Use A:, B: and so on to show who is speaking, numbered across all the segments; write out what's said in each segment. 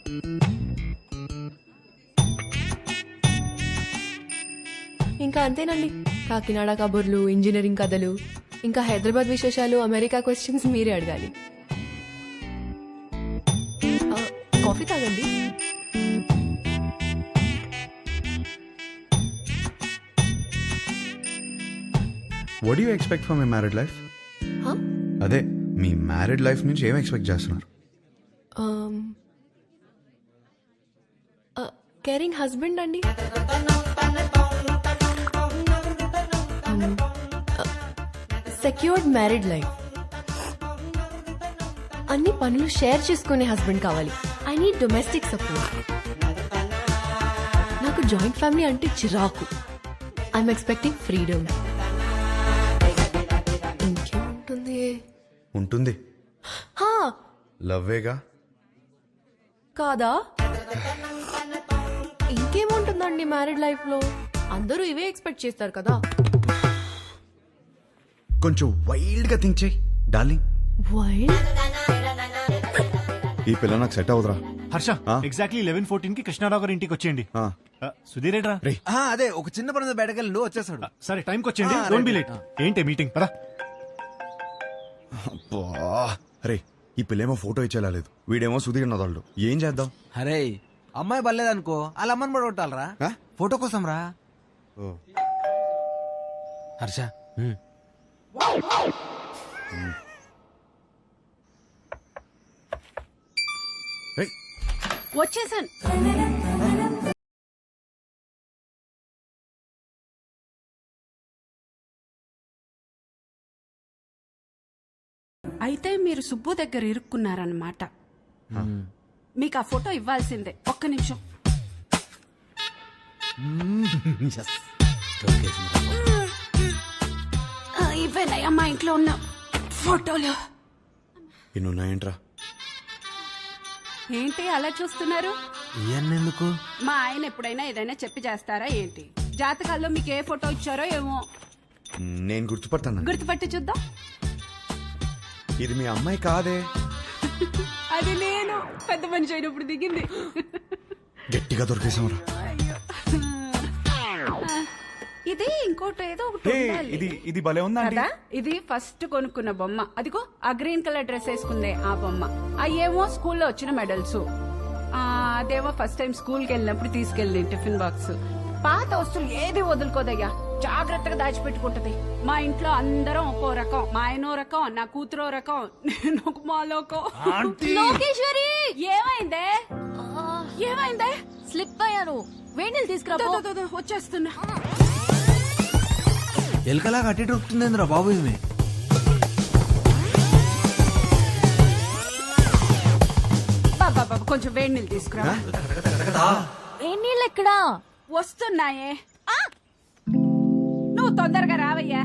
A: ఇంకా అంతేనండి. కాకినాడ కబుర్లు, ఇంజనీరింగ్ కథలు, ఇంకా హైదరాబాద్ విశేషాలు, అమెరికా క్వశ్చన్స్ మీరే అడగాలి. కాఫీ తాగండి.
B: What do you expect from a married life? అదే మీ మ్యారీడ్ లైఫ్ నుంచి ఏం ఎక్స్పెక్ట్ చేస్తున్నారు?
A: కేరింగ్ హస్బెండ్ అండి. Secured married life. అన్ని పనులు షేర్ చేసుకునే హస్బెండ్ కావాలి. I need domestic support. నాకు జాయింట్ ఫ్యామిలీ అంటే చిరాకు. I'm expecting freedom. ఇంకేముంటుంది?
B: ఉంటుంది, లవ్వేగా.
A: కాదా? ఇంకేముంటుందండి మ్యారీడ్ లైఫ్ లో? అందరూ ఇవే ఎక్స్పెక్ట్ చేస్తారు కదా.
B: కొంచెం వైల్డ్ గా థింక్ చేయి డార్లింగ్.
A: వైల్డ్?
B: ఈ పిల్ల నాకు సెట్ అవుతురా.
C: హర్ష, ఎగ్జాక్ట్లీ 11:14 కి కృష్ణారావు గారి ఇంటికి వచ్చేయండి. సుధీర్ ఏట్రా?
D: అదే ఒక చిన్న పని బయటకెళ్ళి వచ్చేసాడు.
C: సరే టైంకి వచ్చేయండి, డోంట్ బి లేట్. ఏంటి మీటింగ్? పదా.
B: అరే ఈ పిల్లేమో ఫోటో ఇచ్చేలా లేదు, వీడేమో సుధీర్ నదాళ్ళు. ఏం చేద్దాం?
D: అరే అమ్మాయి బలేదనుకో, వాళ్ళ అమ్మని పడగొట్టాలరా ఫోటో కోసం రా. హర్ష
E: వచ్చేసాను. అయితే మీరు సుబ్బు దగ్గర ఇరుక్కున్నారన్నమాట. మీకు ఆ ఫోటో ఇవ్వాల్సిందే. ఒక్క నిమిషం. ఇవేనయ్యా మా ఇంట్లో ఉన్న ఫోటోలు.
B: ఇన్నున్నాయంట్రా.
E: ఏంటి అలా చూస్తున్నారు?
D: ఎందుకు?
E: మా ఆయన ఎప్పుడైనా ఏదైనా చెప్పి చేస్తారా ఏంటి? జాతకాల్లో మీకు ఏ ఫోటో ఇచ్చారో ఏమో.
B: నేను గుర్తుపడతాను.
E: గుర్తుపట్టి చూద్దాం.
B: ఇది మీ అమ్మాయి కాదే.
E: అది నేను పెద్ద మనిషి అయినప్పుడు దిగింది.
B: గట్టిగా దొరికేసాంరా.
E: ఇది ఇంకోటి ఏదో ఒకటి ఉండాలి.
C: ఇది భలే ఉందా
E: కదా? ఇది ఫస్ట్ కొనుక్కున్న బొమ్మ. అదిగో ఆ గ్రీన్ కలర్ డ్రెస్ వేసుకుందే ఆ బొమ్మ. అయ్యేమో స్కూల్లో వచ్చిన మెడల్స్. అదేమో ఫస్ట్ టైం స్కూల్ కి వెళ్ళినప్పుడు తీసుకెళ్ళి టిఫిన్ బాక్స్. పాత వస్తువులు ఏది వదులుకోదయ్యా, జాగ్రత్తగా దాచిపెట్టుకుంటది. మా ఇంట్లో అందరం ఒక్కో రకం. మా ఆయనో రకం, నా కూతురో రకం, నేను ఒక మాలోకం.
F: లోకేశ్వరి,
E: ఏమైందే? ఏమైందే?
F: స్లిప్ అయ్యాను. వేణీలు తీసుకురా.
E: వచ్చేస్తున్నా.
D: ఎలకలా కట్టి దొరుకుతుందిరా బాబు. ఇది
E: బాబా కొంచెం వేడి నీళ్ళు తీసుకురా.
F: వేణీళ్ళు ఎక్కడా?
E: వస్తున్నాయే. నువ్వు తొందరగా రావయ్యా.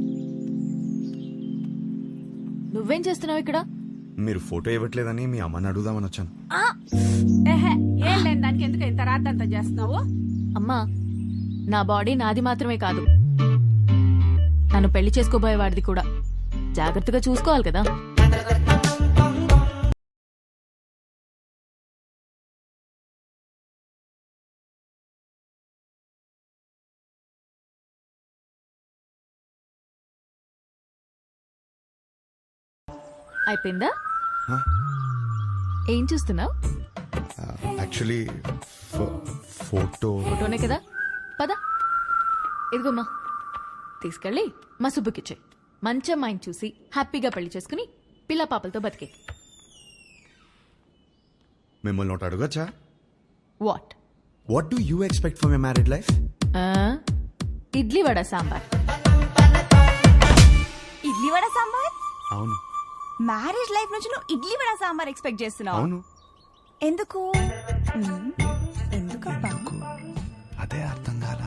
F: నువ్వేం చేస్తున్నావు ఇక్కడ?
B: మీరు ఫోటో ఇవ్వట్లేదని మీ అమ్మని అడుగుదామని వచ్చాను.
E: ఏం లేని దానికి ఎందుకు ఇంత రాద్దంతా చేస్తున్నావు?
F: అమ్మా, నా బాడీ నాది మాత్రమే కాదు, నన్ను పెళ్లి చేసుకోబోయేవాడిది కూడా. జాగ్రత్తగా చూసుకోవాలి కదా. అయిపోయిందా? ఏం చూస్తున్నావు?
B: యాక్చువల్లీ
F: ఫోటోనే కదా. పద, ఇదిగోమ్మా, తీసుకెళ్ళి మా సుబ్బుకిచ్చే. మంచి అమ్మాయిని చూసి హ్యాపీగా పెళ్లి చేసుకుని పిల్ల పాపలతో బతికే.
B: మిమ్మల్ని ఒకటి అడగచ్చా?
F: What
B: do you expect from a married life?
F: Idli vada sambar.
G: Idli vada sambar?
B: అవును.
G: మ్యారేజ్ లైఫ్ నుంచి నువ్వు ఇడ్లీ వడ సాంబార్ ఎక్స్పెక్ట్ చేస్తున్నావు?
B: అవును.
G: ఎందుకు? ఎందుకబ్బా?
B: అదే అర్థం కాలా.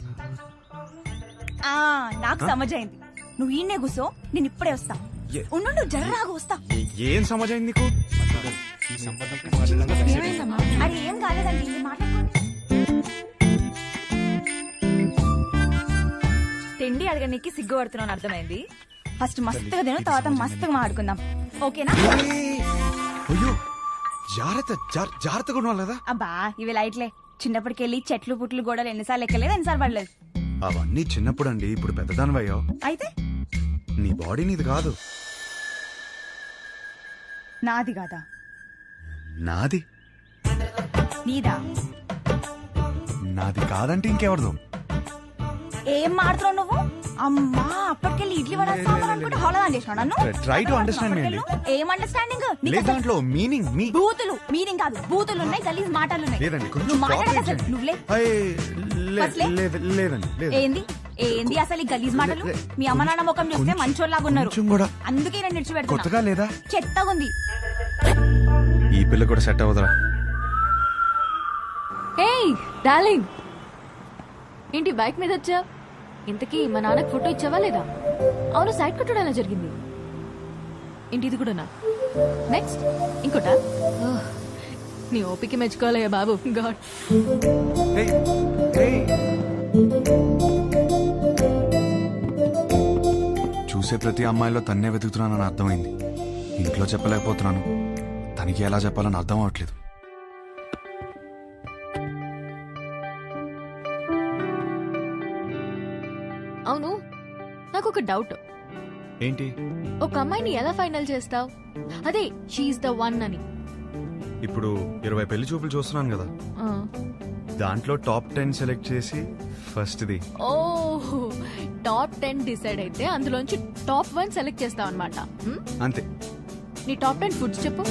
G: నాకు సమజైంది. నువ్వు ఈయనే కూసో, నేను ఇప్పుడే వస్తా. ఉండు, జర్రాగా వస్తా.
B: ఏం సమజైంది నీకు?
G: అరే ఏం కాలేదండి, మాట్లాడుకోండి. తిండి అడగడానికి సిగ్గుపడుతున్నాను అర్థమైంది. ఫస్ట్ మస్తుగా తిను, తర్వాత మస్తుగా మాట్లాడుకుందాం, ఓకేనా?
B: అయ్యో జాగ్రత్తగా ఉండాలి కదా.
G: అబ్బా ఇవి లైట్లే. చిన్నప్పటికెళ్ళి చెట్లు పుట్లు గోడలు ఎన్నిసార్లు ఎక్కలేదు, ఎన్నిసార్లు పడలేదు.
B: అవన్నీ చిన్నప్పుడు అండి. ఇప్పుడు పెద్దదానివయ్యో.
G: అయితే
B: నీ బాడీ నీది కాదు.
G: నాది కాదా?
B: నాది.
G: నీదా?
B: నాది కాదంటే ఇంకెవరిదో.
G: ఏం మాడుతున్నావు నువ్వు? అమ్మా అప్పటికెళ్ళి ఇడ్లీ వడ సాంబార్ అనుకుంటే హోళదాన్ చేసినావు నన్ను.
B: Try to understand me అండి.
G: ఏం అండర్స్టాండింగ్?
B: లేదు దాంట్లో మీనింగ్ మీ
G: బూతులు మీనింగ్ కాదు, బూతులు ఉన్నాయి, గలీజ్ మాటలు ఉన్నాయి.
B: లేదండి కొంచెం
G: నువ్వు మాట్లాడక
B: cooperate
G: అసలు
B: చేయండి.
G: నువ్వులే.
B: అయ్, లేదండి లేదు.
G: ఏంది ఏంది అసలు ఈ గలీజ్ మాటలు? మీ అమ్మ నాన్న ముఖం చూస్తే మంచోళ్ళలాగా ఉన్నారు,
B: కొంచెం కూడా
G: అందుకే నేను నిడిచిపెడుతున్నా.
B: కొత్తగా లేదా?
G: చెత్తగా ఉంది.
B: ఈ పిల్ల కూడా సెట్ అవ్వదురా.
F: ఏయ్ డార్లింగ్, ఏంటి బైక్ మీద వచ్చా? ఇంతకీ మా నాన్నకి ఫోటో ఇచ్చావా లేదా? అవును, సైడ్ కొట్టడం ఎలా జరిగింది? ఏంటి ఇది కూడానా? నెక్స్ట్ ఇంకోటా? ఓహ్, నీ ఓపిక మెచ్చుకోవాలయ్యా బాబు. గాడ్.
B: చూసే ప్రతి అమ్మాయిలో తన్నే వెతుకుతున్నానని అర్థమైంది. ఇంట్లో చెప్పలేకపోతున్నాను, తనకి ఎలా చెప్పాలని అర్థం అవట్లేదు.
F: అవును, నాకు ఒక డౌట్.
B: ఏంటి?
F: ఒక అమ్మాయిని ఎలా ఫైనల్ చేస్తావు? అదే షీఈ్ ద వన్ అని.
B: ఇప్పుడు 20 పెళ్లి చూపులు చూస్తున్నాను కదా,
F: ఆ.
B: దాంట్లో టాప్ 10 సెలెక్ట్ చేసి ఫస్ట్ది.
F: ఓహ్, టాప్ 10 డిసైడ్ అయితే అందులోంచి టాప్ 1 సెలెక్ట్ చేస్తావు అనమాట.
B: అంతే.
F: నీ టాప్ 10 ఫుడ్స్ చెప్పు.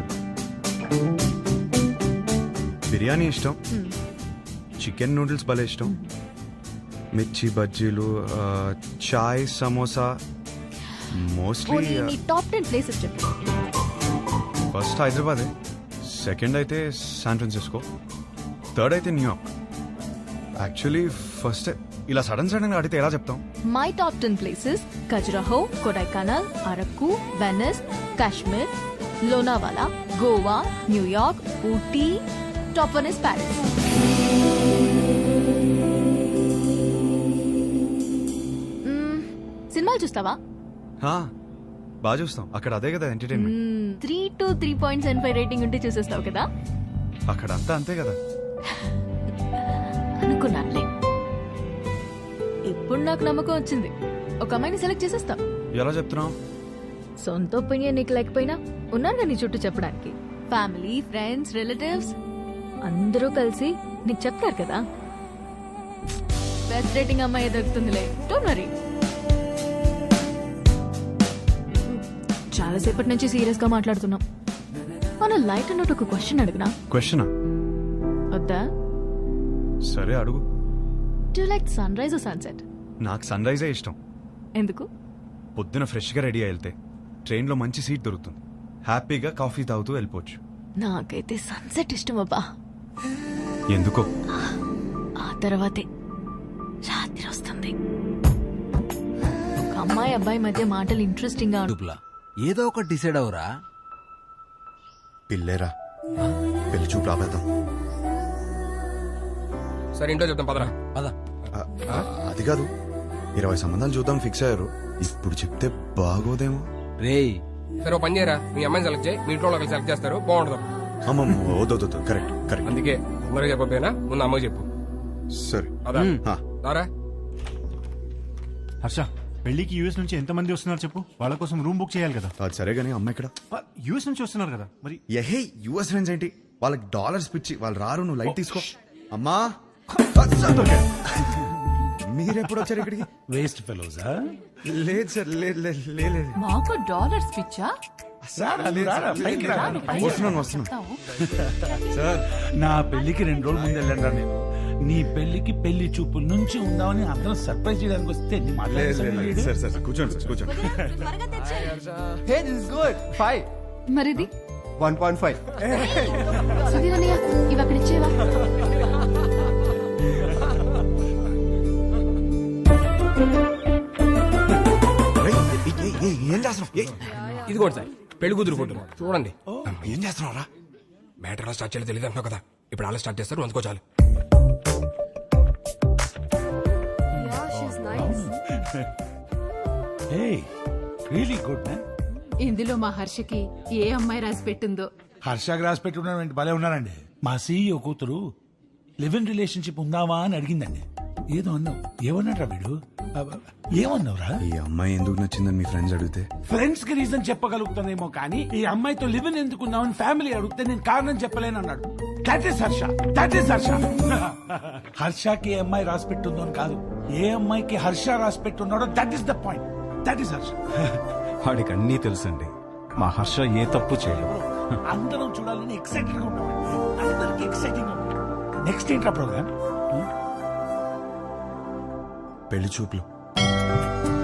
B: బిర్యానీ ఇష్టం, చికెన్ నూడిల్స్ భలే ఇష్టం, మిర్చి బజ్జీలు, చాయ్, సమోసా. మోస్ట్లీ
F: నీ టాప్ 10 ప్లేసెస్ చెప్పు.
B: ఫస్ట్ హైదరాబాదే, సెకండ్ అయితే శాన్ ఫ్రాన్సిస్కో, థర్డ్ అయితే న్యూయార్క్. యాక్చువల్లీ ఫస్ట్ ఇలా సడన్ గా అడిగితే ఎలా చెప్తాం?
F: My top 10 places: Khajuraho, Kodaikanal, Araku, Venice, Kashmir, Lonavala, Goa, New York, Ooty. Top 1 is Paris. సినిమాలు చూస్తావా?
B: బాగా చూస్తాం. అక్కడ అదే కదా ఎంటర్టైన్మెంట్.
F: 3 to 3.75 రేటింగ్ ఉంటే చూసేస్తావు కదా.
B: అక్కడ అంతా అంతే కదా.
F: అనుకున్నానులే. ఇప్పుడు నాకు నమ్మకం వచ్చింది, ఒక అమ్మాయిని సెలెక్ట్ చేసేస్తావు.
B: ఎలా చెప్తున్నావు?
F: సొంత ఒపీనియన్ నీకు లేకపోయినా ఉన్నారు నీ చుట్టూ చెప్పడానికి. ఫ్యామిలీ, ఫ్రెండ్స్, రిలేటివ్స్ అందరూ కలిసి నీకు చెప్తారు కదా. బెస్ట్ రేటింగ్ అమ్మాయి దొరుకుతుందిలే, డోంట్ వరీ. చాలాసేపటి నుంచి సీరియస్ గా మాట్లాడుతున్నాం. మన లైట్ అన్నట్టు ఒక క్వశ్చన్ అడిగినా?
B: క్వశ్చనా?
F: వద్దా?
B: సరే అడుగు.
F: Do like sun rise or sunset?
B: నాకు సన్ రైజే ఇష్టం.
F: ఎందుకు?
B: పొద్దున ఫ్రెష్ గా రెడీ అయి వెళ్తే ట్రైన్ లో మంచి సీట్ దొరుకుతుంది, హ్యాపీగా కాఫీ తాగుతూ వెళ్ళిపోవచ్చు.
F: నాకైతే సన్సెట్ ఇష్టం అబ్బా.
B: ఎందుకో?
F: ఆ తర్వాతే రాత్రి వస్తుంది. ఒక అమ్మాయి అబ్బాయి మధ్య మాటలు ఇంట్రెస్టింగ్ గా
D: డుప్లా ఏదో ఒకటి డిసైడ్ అవరా.
B: పిల్లేరా, పెళ్లి చూపు రాబేద్దాం.
H: సరే ఇంట్లో చెప్తాం పదరా.
D: పద.
B: అది కాదు, 20 సంబంధాలు చూద్దాం ఫిక్స్ అయ్యారు. ఇప్పుడు చెప్తే బాగోదేమో.
D: రేయ్
H: సరే ఓ పని చేయరా, మీ అమ్మాయిని సెలెక్ట్ చేయి, మీ ఇంట్లో వాళ్ళకి సెలెక్ట్ చేస్తారు, బాగుంటుంది.
B: అమ్మమ్మ వద్దు. కరెక్ట్.
H: అందుకే అందరికి చెప్పకపోయినా ముందు అమ్మకి చెప్పు.
B: సరే
H: అదా రారా.
C: హర్ష, పెళ్లికి యూఎస్ నుంచి ఎంతమంది వస్తున్నారు చెప్పు, వాళ్ళ కోసం రూమ్ బుక్ చేయాలి కదా.
B: అది సరే కానీ అమ్మ ఇక్కడ
C: యూఎస్ నుంచి వస్తున్నారు కదా మరి.
B: ఎహే యుఎస్ ఫ్రెండ్స్ ఏంటి, వాళ్ళకి డాలర్స్ పిచ్చి, వాళ్ళు రారు. నువ్వు లైట్ తీసుకో. అమ్మా మీరెప్పుడు వచ్చారు ఇక్కడికి?
I: వేస్ట్ ఫెలోజా?
B: లేదు సార్, లేదు.
E: మాకు డాలర్స్ పిచ్చా?
B: వస్తున్నాను సార్.
I: నా పెళ్లికి 2 రోజులు ముందు వెళ్ళండి నేను. నీ పెళ్లికి పెళ్లి చూపుల నుంచి ఉందామని అందరం సర్ప్రైజ్ చేయడానికి వస్తే నీ
B: లేదు సార్, కూర్చోండి.
D: Hey, this is good. 5.
F: మరిది
D: 1.5.
F: సుధీర్ అన్నయ్య, ఇవి అక్కడ ఇచ్చేవా?
B: ఏం చేస్తున్నావు?
H: ఇది కూడా సార్ పెళ్లి కూతురు ఫోటో చూడండి.
B: ఏం చేస్తున్నావురా?
H: మ్యాటర్ ఎలా స్టార్ట్ చేయాలో తెలియదు అంటున్నావు కదా, ఇప్పుడు అలా స్టార్ట్ చేస్తారు, అందుకో చాలు.
I: Really good man.
E: ఇందులో మా హర్షకి ఏ అమ్మాయి రాసి పెట్టిందో
I: హర్షకి రాసి పెట్టుకున్నాడు భలే ఉన్నారండి. మా సీఈఓ కూతురు లివ్ ఇన్ రిలేషన్షిప్ ఉందావా అని అడిగిందండి. ఏదో అన్నావు. ఏమన్నాడ్రా వీడు? ఏమన్నావురా?
B: ఈ అమ్మాయి ఎందుకు నచ్చిందని మీ ఫ్రెండ్స్ అడిగితే
I: ఫ్రెండ్స్ కి రీజన్ చెప్పగలుగుతానేమో కానీ ఈ అమ్మాయితో లివ్ ఇన్ ఎందుకు ఉన్నావని ఫ్యామిలీ అడిగితే నేను కారణం చెప్పలేను అన్నాడు. That is Harsha. That is Harsha. హర్షకి ఏ అమ్మాయి రాసి పెట్టుందో అని కాదు, ఏ అమ్మాయికి హర్ష రాసి పెట్టున్నాడో that is the point. That is Harsha.
B: వాడికి అన్నీ తెలుసండి. మా హర్ష ఏ తప్పు చేయలేదు.
I: అందరం చూడాలని ఎక్సైటెడ్ గా ఉన్నామండి. అందరికి ఎక్సైటింగ్. నెక్స్ట్ ఏంట్రా ప్రోగ్రామ్?
B: పెళ్లి చూపులు.